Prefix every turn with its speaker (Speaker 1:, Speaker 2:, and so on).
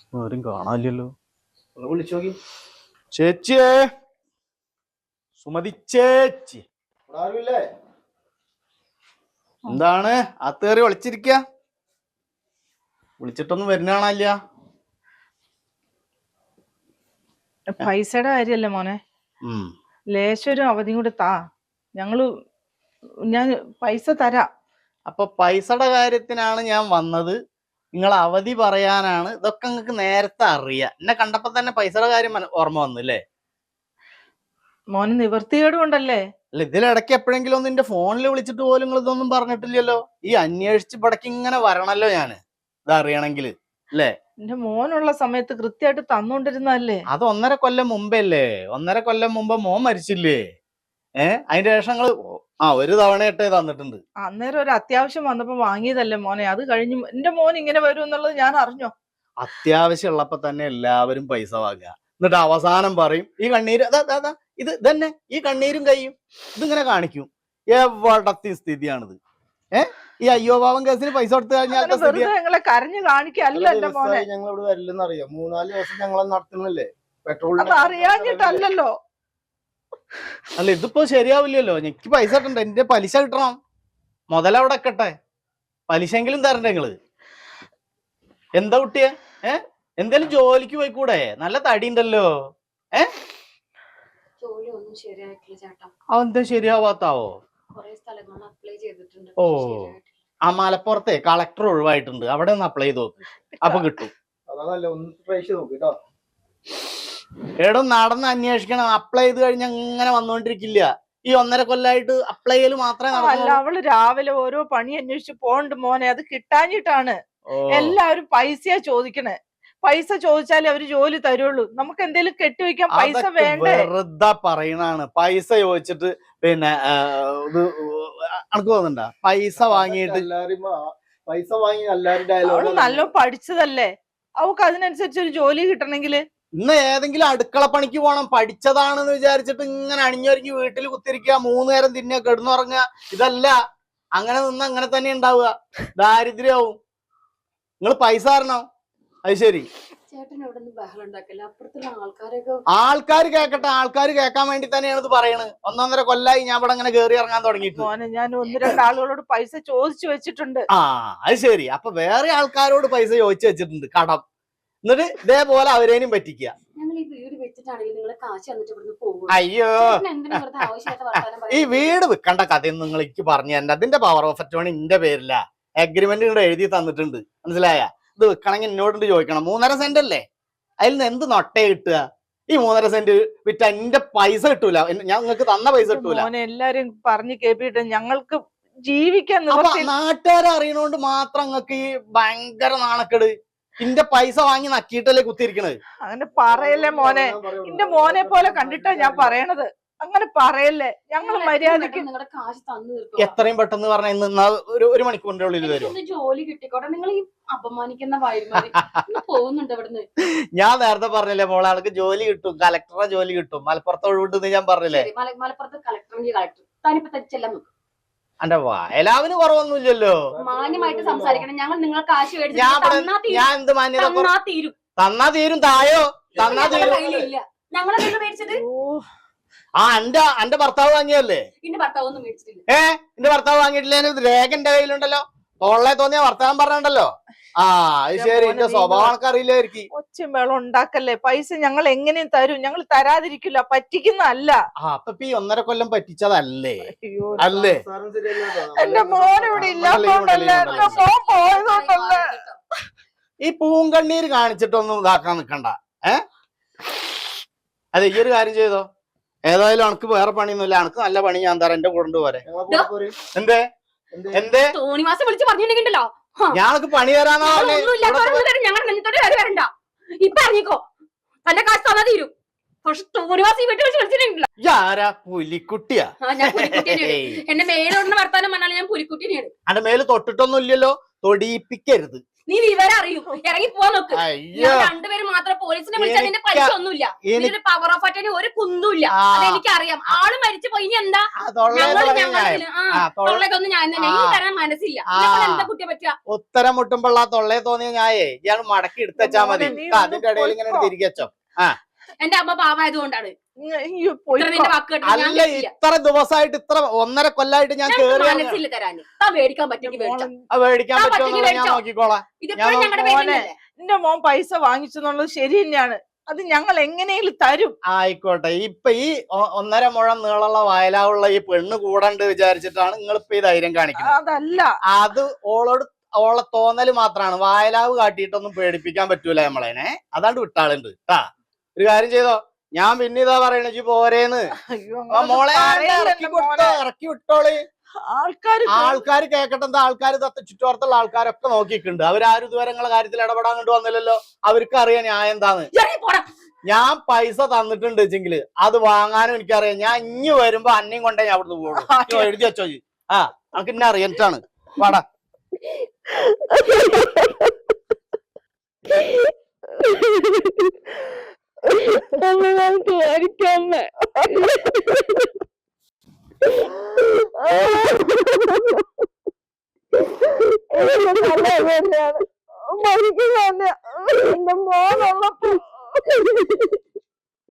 Speaker 1: ആരും കാണാനില്ലല്ലോ.
Speaker 2: ഒന്ന് വിളിച്ചു നോക്കി.
Speaker 1: ചേച്ചിയേ, സുമതി ചേച്ചി,
Speaker 2: ആരുമില്ലേ?
Speaker 1: എന്താണ് അത്തേറി വിളിച്ചിരിക്ക? വിളിച്ചിട്ടൊന്നും വരുന്ന കാണാനില്ല.
Speaker 3: പൈസയുടെ കാര്യല്ലേ മോനെ, ലേശൊരു അവധിയും കൂടെ താ, ഞാൻ പൈസ തരാം.
Speaker 1: അപ്പൊ പൈസയുടെ കാര്യത്തിനാണ് ഞാൻ വന്നത്, നിങ്ങൾ അവധി പറയാനാണ്. ഇതൊക്കെ നിങ്ങൾക്ക് നേരത്തെ അറിയാം. എന്നെ കണ്ടപ്പോ തന്നെ പൈസയുടെ കാര്യം ഓർമ്മ വന്നു അല്ലേ?
Speaker 3: മോന് നിവർത്തികേട് കൊണ്ടല്ലേ?
Speaker 1: അല്ല, ഇതിലിടയ്ക്ക് എപ്പോഴെങ്കിലും ഒന്ന് എന്റെ ഫോണിൽ വിളിച്ചിട്ട് പോലും നിങ്ങൾ ഇതൊന്നും പറഞ്ഞിട്ടില്ലല്ലോ. ഈ അന്വേഷിച്ച് ഇവിടേക്ക് ഇങ്ങനെ വരണല്ലോ ഞാന്, ഇതറിയണമെങ്കിൽ അല്ലേ?
Speaker 3: എന്റെ മോനുള്ള സമയത്ത് കൃത്യമായിട്ട് തന്നോണ്ടിരുന്നല്ലേ?
Speaker 1: അത് 1.5 കൊല്ലം മുമ്പേ അല്ലേ? 1.5 കൊല്ലം മുമ്പ് മോൻ മരിച്ചില്ലേ? അതിന്റെ ശേഷം നിങ്ങള് ഒരു തവണയായിട്ടേ തന്നിട്ടുണ്ട്.
Speaker 3: അന്നേരം ഒരു അത്യാവശ്യം വന്നപ്പോ വാങ്ങിയതല്ലേ മോനെ. അത് കഴിഞ്ഞ് എന്റെ മോൻ ഇങ്ങനെ വരും എന്നുള്ളത് ഞാൻ അറിഞ്ഞോ?
Speaker 1: അത്യാവശ്യം ഉള്ളപ്പോ തന്നെ എല്ലാവരും പൈസ വാങ്ങുക, എന്നിട്ട് അവസാനം പറയും ഈ കണ്ണീര് ഇത് തന്നെ, ഈ കണ്ണീരും കയ്യും ഇതിങ്ങനെ കാണിക്കും. എവിടത്തെ സ്ഥിതിയാണിത്? ഈ അയ്യോ പാവം കേസിന് പൈസ കൊടുത്തു കഴിഞ്ഞാൽ
Speaker 3: ഞങ്ങളെ കരഞ്ഞു കാണിക്കല്ല എന്റെ മോനെ.
Speaker 2: ഞങ്ങൾ ഇവിടെ വരില്ലെന്ന് അറിയാം. 3-4 ദിവസം ഞങ്ങൾ നടത്തുന്നില്ലേ പെട്രോൾ.
Speaker 3: അത് അറിയാഞ്ഞിട്ടല്ലോ.
Speaker 1: അല്ല, ഇതിപ്പോ ശരിയാവില്ലല്ലോ. എനിക്ക് പൈസ കിട്ടണ്ട, എന്റെ പലിശ കിട്ടണം. മുതലവിടെ വെക്കട്ടെ, പലിശെങ്കിലും തരണ്ടേ നിങ്ങള്? എന്താ കുട്ടിയെ, എന്തേലും ജോലിക്ക് പോയിക്കൂടെ? നല്ല തടി ഉണ്ടല്ലോ. അതെന്താ ശരിയാവാത്താവോ? ഓ, ആ മലപ്പുറത്തെ കളക്ടർ ഒഴിവായിട്ടുണ്ട്, അവിടെ ഒന്ന് അപ്ലൈ ചെയ്ത് നോക്ക്, അപ്പൊ കിട്ടും. എടോ, നടന്ന് അന്വേഷിക്കണം. അപ്ലൈ ചെയ്ത് കഴിഞ്ഞാൽ അങ്ങനെ വന്നോണ്ടിരിക്കില്ല. ഈ 1.5 കൊല്ലായിട്ട് അപ്ലൈ ചെയ്യല് മാത്രമേ
Speaker 3: അല്ല, അവള് രാവിലെ ഓരോ പണി അന്വേഷിച്ച് പോണ്ട് മോനെ. അത് കിട്ടാഞ്ഞിട്ടാണ്. എല്ലാവരും പൈസയാ ചോദിക്കണേ. പൈസ ചോദിച്ചാലേ അവര് ജോലി തരുള്ളൂ. നമുക്ക് എന്തെങ്കിലും കെട്ടിവെക്കാൻ പൈസ വേണ്ടേ?
Speaker 1: വെറുതെ പറയണാണ്. പൈസ ചോദിച്ചിട്ട് പിന്നെ ഇത് അനക്ക് തോന്നുന്നുണ്ടാ? പൈസ വാങ്ങിയിട്ട്
Speaker 2: പൈസ വാങ്ങി എല്ലാവരും
Speaker 3: അവള് നല്ല പഠിച്ചതല്ലേ, അവക്ക് അതിനനുസരിച്ച് ഒരു ജോലി കിട്ടണമെങ്കില്
Speaker 1: ഇന്ന് ഏതെങ്കിലും അടുക്കള പണിക്ക് പോകണം. പഠിച്ചതാണെന്ന് വിചാരിച്ചിട്ട് ഇങ്ങനെ അണിഞ്ഞൊരുങ്ങി വീട്ടിൽ കുത്തിരിക്കുക, 3 നേരം തിന്നുക, കിടന്നുറങ്ങുക. ഇതല്ല. അങ്ങനെ നിന്ന് അങ്ങനെ തന്നെ ഉണ്ടാവുക, ദാരിദ്ര്യവും. നിങ്ങൾ പൈസ തരണം. അത് ശരി, ആൾക്കാർ കേക്കട്ടെ. ആൾക്കാർ കേൾക്കാൻ വേണ്ടി തന്നെയാണ് ഇത് പറയണത്. 1.5 കൊല്ലായി ഞാൻ ഇവിടെ അങ്ങനെ കേറി ഇറങ്ങാൻ തുടങ്ങിയിട്ട്.
Speaker 3: ഞാൻ 1-2 ആളുകളോട് പൈസ ചോദിച്ചു വെച്ചിട്ടുണ്ട്.
Speaker 1: അത് ശരി. അപ്പൊ വേറെ ആൾക്കാരോട് പൈസ ചോദിച്ചു വെച്ചിട്ടുണ്ട്, കടം. എന്നിട്ട് ഇതേപോലെ അവരേനും പറ്റിക്കുക. അയ്യോ, ഈ വീട് വിൽക്കേണ്ട കഥയൊന്നും നിങ്ങൾ എനിക്ക് പറഞ്ഞു തരണ്ട. അതിന്റെ പവർ ഓഫ് അറ്റോണി എന്റെ പേരില്ല, അഗ്രിമെന്റ് ഇവിടെ എഴുതി തന്നിട്ടുണ്ട്. മനസ്സിലായ? ഇത് വിൽക്കണമെങ്കിൽ എന്നോട് ചോദിക്കണം. 3.5 സെന്റ് അല്ലേ? അതിൽ നിന്ന് എന്ത് നൊട്ടേ കിട്ടുക? ഈ 3.5 സെന്റ് വിറ്റ എന്റെ പൈസ കിട്ടൂല, ഞാൻ നിങ്ങൾക്ക് തന്ന പൈസ കിട്ടൂല.
Speaker 3: എല്ലാരും പറഞ്ഞു കേട്ടിട്ട് ഞങ്ങൾക്ക് ജീവിക്കാൻ
Speaker 1: നാട്ടുകാരെ അറിയണോണ്ട് മാത്രം നിങ്ങൾക്ക് ഈ ഭയങ്കര നാണക്കേട്. ഇന്റെ പൈസ വാങ്ങി നക്കിയിട്ടല്ലേ കുത്തിയിരിക്കണത്.
Speaker 3: അങ്ങനെ പറയല്ലേ മോനെ. എന്റെ മോനെ പോലെ കണ്ടിട്ടാ ഞാൻ പറയണത്. അങ്ങനെ പറയല്ലേ. ഞങ്ങൾ മര്യാദക്ക്
Speaker 1: എത്രയും പെട്ടെന്ന് പറഞ്ഞ ഇന്ന് ഒരു മണിക്കൂറിന്റെ ഉള്ളിൽ വരും.
Speaker 4: ജോലി കിട്ടിക്കോട്ടെ. നിങ്ങൾ ഈ അപമാനിക്കുന്ന പോകുന്നുണ്ട് ഇവിടുന്ന്.
Speaker 1: ഞാൻ നേരത്തെ പറഞ്ഞില്ലേ മോളെ, ആൾക്ക് ജോലി കിട്ടും, കലക്ടറുടെ ജോലി കിട്ടും. മലപ്പുറത്ത് ഒഴിവിട്ടെന്ന് ഞാൻ പറഞ്ഞില്ലേ?
Speaker 4: മലപ്പുറത്ത് കളക്ടർ താനിപ്പോ തെച്ചെല്ലാം നോക്കും.
Speaker 1: എന്റെ എല്ലാവരും കുറവൊന്നുമില്ലല്ലോ.
Speaker 4: മാന്യമായിട്ട് സംസാരിക്കണം. ഞങ്ങൾ നിങ്ങൾ കാശ്
Speaker 1: ഞാൻ എന്ത് മാന്യത? തന്നാ തീരും. തായോ തന്നാ തീരും.
Speaker 4: ഞങ്ങളെ കയ്യിൽ മേടിച്ചത്
Speaker 1: എന്റെ ഭർത്താവ് വാങ്ങിയല്ലേ?
Speaker 4: എന്റെ ഭർത്താവ് ഒന്നും മേടിച്ചിട്ടില്ല.
Speaker 1: എന്റെ ഭർത്താവ് വാങ്ങിയിട്ടില്ല. രേഖ എന്റെ കയ്യിലുണ്ടല്ലോ. തൊള്ളെ തോന്നിയ വർത്തമാനം പറഞ്ഞല്ലോ. അത് ശരി. എന്റെ സ്വഭാവം അറിയില്ലായിരിക്കും.
Speaker 3: ഒച്ചും വെള്ളം ഉണ്ടാക്കല്ലേ. പൈസ ഞങ്ങൾ എങ്ങനെയും തരും. ഞങ്ങൾ തരാതിരിക്കില്ല. പറ്റിക്കുന്നല്ല.
Speaker 1: അപ്പൊ ഈ 1.5 കൊല്ലം പറ്റിച്ചതല്ലേ? അല്ലേ?
Speaker 3: എന്റെ മോനിവിടെ ഇല്ലാത്തോണ്ടല്ലേ, എന്റെ മോൻ പോയതുകൊണ്ടല്ലേ.
Speaker 1: ഈ പൂങ്കണ്ണീര് കാണിച്ചിട്ടൊന്നും ഇതാക്കാൻ നിക്കണ്ട. അതെ, ഈ ഒരു കാര്യം ചെയ്തോ. ഏതായാലും അനക്ക് വേറെ പണിയൊന്നുമില്ല. അനക്ക് നല്ല പണി ഞാൻ തരാം. എന്റെ കൂടെ പോരെ. എന്തേ എന്തേ
Speaker 4: തോന്നിവാസം വിളിച്ച് പറഞ്ഞിട്ടുണ്ടെങ്കിലോ
Speaker 1: ഞാനൊക്കെ പണി തരാന്നാ
Speaker 4: വരണ്ട. ഇപ്പൊ ഇറങ്ങിക്കോ. തന്റെ കാശ് തന്നാ തീരും. പക്ഷെ തോന്നിവാസം ഈ വീട്ടിൽ വെച്ച് വിളിച്ചിട്ടുണ്ടല്ലോ.
Speaker 1: ആരാ? പുലിക്കുട്ടിയാ?
Speaker 4: എന്റെ മേലോടുന്ന വർത്താനം പറഞ്ഞാൽ ഞാൻ പുലിക്കുട്ടിനെയാണ്.
Speaker 1: അന്റെ മേല് തൊട്ടിട്ടൊന്നും ഇല്ലല്ലോ. തൊടിയിപ്പിക്കരുത്.
Speaker 4: നീ വിവരം അറിയും. ഇറങ്ങി പോവാൻ നോക്ക്. രണ്ടുപേരും മാത്രം പോലീസിനെ വിളിച്ചാൽ നിന്റെ പൈസ ഒന്നുമില്ല. ഇതിന്റെ പവർ ഓഫ് അറ്റോർണി ഒരു കുന്നുമില്ല. അതെനിക്കറിയാം. ആള് മരിച്ചു പോയി. ഇനി എന്താ തൊള്ളതൊന്നും ഞാൻ തന്നെ ഈ തരാൻ മനസ്സില്ല. എന്താ കുട്ടിയെ പറ്റുക?
Speaker 1: ഉത്തരം മുട്ടുമ്പോൾ ആ തൊള്ളയെ തോന്നിയ ഞായേ ഇയാൾ മടക്കി എടുത്തുവെച്ചാ മതി. അതിന്റെ ഇടയിൽ ഇങ്ങനെ തിരികെ വെച്ചോ.
Speaker 4: എന്റെ അമ്മ പാവായതുകൊണ്ടാണ്
Speaker 1: അല്ല, ഇത്ര ദിവസമായിട്ട് ഇത്ര 1.5 കൊല്ലായിട്ട് ഞാൻ
Speaker 4: മനസ്സില്ല തരാന്. മേടിക്കാൻ പറ്റുമെങ്കിൽ
Speaker 1: മേടിക്കാൻ പറ്റുമോ ഞാൻ നോക്കിക്കോളാം.
Speaker 3: എന്റെ മോൻ പൈസ വാങ്ങിച്ചെന്നുള്ളത് ശരി തന്നെയാണ്. അത് ഞങ്ങൾ എങ്ങനെയും തരും.
Speaker 1: ആയിക്കോട്ടെ. ഇപ്പൊ ഈ 1.5 മുഴം നീളമുള്ള വയലാവുള്ള ഈ പെണ്ണ് കൂടണ്ട് വിചാരിച്ചിട്ടാണ് നിങ്ങൾ ഇപ്പൊ ഈ ധൈര്യം കാണിക്കുന്നത്.
Speaker 3: അതല്ല, അത്
Speaker 1: ഓളെ തോന്നല് മാത്രാണ്. വയലാവ് കാട്ടിയിട്ടൊന്നും പേടിപ്പിക്കാൻ പറ്റൂല നമ്മളേനെ. അതാണ്ട് വിട്ടാളുണ്ട് കേട്ടാ. ഒരു കാര്യം ചെയ്തോ, ഞാൻ പിന്നെ ഇതാ പറയണ പോരേന്ന്. മോളെ ഇറക്കി വിട്ടോളി. ആൾക്കാർ കേക്കട്ടെ. എന്താ ആൾക്കാർ ചുറ്റുവട്ടത്തുള്ള ആൾക്കാരൊക്കെ നോക്കിയിട്ടുണ്ട്. അവരാരും ഇതുവരെ നിങ്ങളെ കാര്യത്തിൽ ഇടപെടാൻ കണ്ടു വന്നില്ലല്ലോ. അവർക്ക് അറിയാം ഞാൻ എന്താന്ന്. ഞാൻ പൈസ തന്നിട്ടുണ്ട് വെച്ചെങ്കില് അത് വാങ്ങാനും എനിക്കറിയാം. ഞാൻ ഇനി വരുമ്പോ അന്നയും കൊണ്ടേ ഞാൻ അവിടുന്ന് പോകും. എഴുതി വെച്ചോ. നമുക്ക് ഇന്നെ അറിയാനിട്ടാണ്. വാടാ.
Speaker 3: എന്റെ മോനുള്ളപ്പോ